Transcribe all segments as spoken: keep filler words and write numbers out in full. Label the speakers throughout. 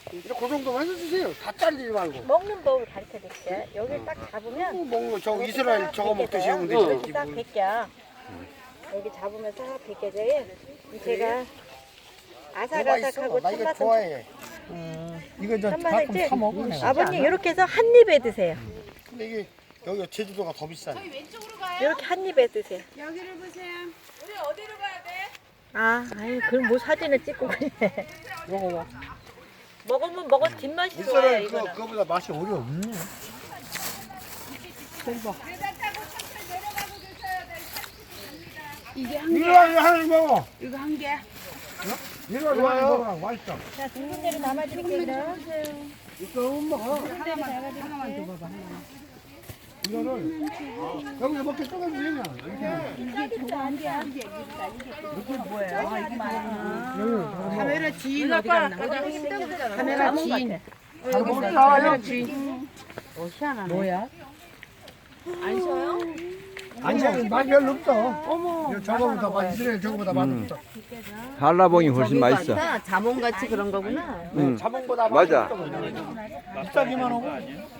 Speaker 1: 이제 그 정도만 해주세요. 다 잘리지 말고.
Speaker 2: 먹는 법을 가르쳐 드릴게요. 여기 딱 잡으면
Speaker 1: 어, 먹는 거, 저
Speaker 2: 여기
Speaker 1: 이스라엘
Speaker 2: 딱
Speaker 1: 저거 먹듯이
Speaker 2: 벗겨져요.
Speaker 1: 하면
Speaker 2: 이렇게
Speaker 1: 되지.
Speaker 2: 딱
Speaker 1: 뭘.
Speaker 2: 벗겨. 여기 잡으면 싹 벗겨져요. 제가 아삭아삭하고
Speaker 1: 나 이거
Speaker 2: 참맛은
Speaker 1: 좋아해.
Speaker 3: 이거 저
Speaker 2: 참맛은
Speaker 3: 가끔
Speaker 2: 있지?
Speaker 3: 사 먹어 내가.
Speaker 2: 아버님 이렇게 해서 한 입에 드세요.
Speaker 1: 근데 이게 여기가 제주도가 더 비싸네.
Speaker 2: 이렇게 한 입에 드세요.
Speaker 4: 여기를 보세요. 우리 어디로 가야 돼?
Speaker 2: 아, 아유, 그럼 뭐 사진을 찍고 그래.
Speaker 1: 먹어봐.
Speaker 2: 먹으면 먹어 뒷맛이 좋아요,
Speaker 1: 이스라엘 그거,
Speaker 2: 이거는.
Speaker 1: 그거보다 맛이 오려.
Speaker 3: 없네.
Speaker 4: 이게 한 개.
Speaker 1: 이거 하나 먹어.
Speaker 4: 이거 한 개.
Speaker 1: 이거 좋아요. 먹어. 맛있어.
Speaker 2: 자, 두 군데로 담아드릴게요.
Speaker 1: 이거 먹어.
Speaker 4: 하나만 하나만 줘봐봐. 하나만.
Speaker 1: 이거를 여기서 먹게 쪼개주면
Speaker 2: 짜겠다, 안 돼.
Speaker 4: 카메라 지인 어디 갔나? 카메라 지인.
Speaker 1: 먹자.
Speaker 4: 뭐야?
Speaker 2: 안 쉬어요?
Speaker 1: 아니 맛이 별로 없어. 어머. 저거보다 맛 이스라엘 저거보다 맛없어.
Speaker 5: 한라봉이 훨씬 맛있어.
Speaker 2: 자몽같이 그런 거구나.
Speaker 5: 응.
Speaker 1: 자몽보다
Speaker 5: 맞아.
Speaker 1: 비싸기만 하고.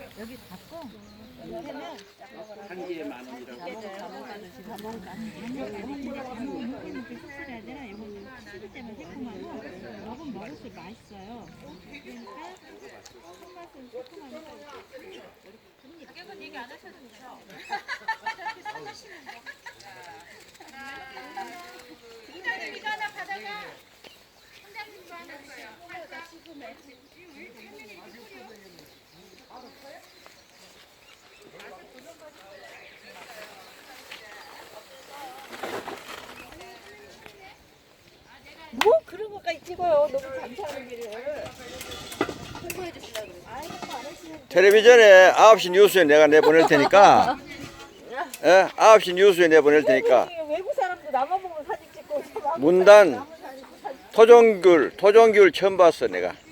Speaker 2: 뭐 그런 것까지 찍어요. 너무 감사하는 길을.
Speaker 5: 텔레비전에 아홉 시 뉴스에 내가 내보낼 테니까, 예? 아홉 시 뉴스에 내보낼 테니까,
Speaker 2: 외국 사람도 나만 보고 사진 찍고 저
Speaker 5: 문단, 토종귤, 토종귤 처음 봤어, 내가.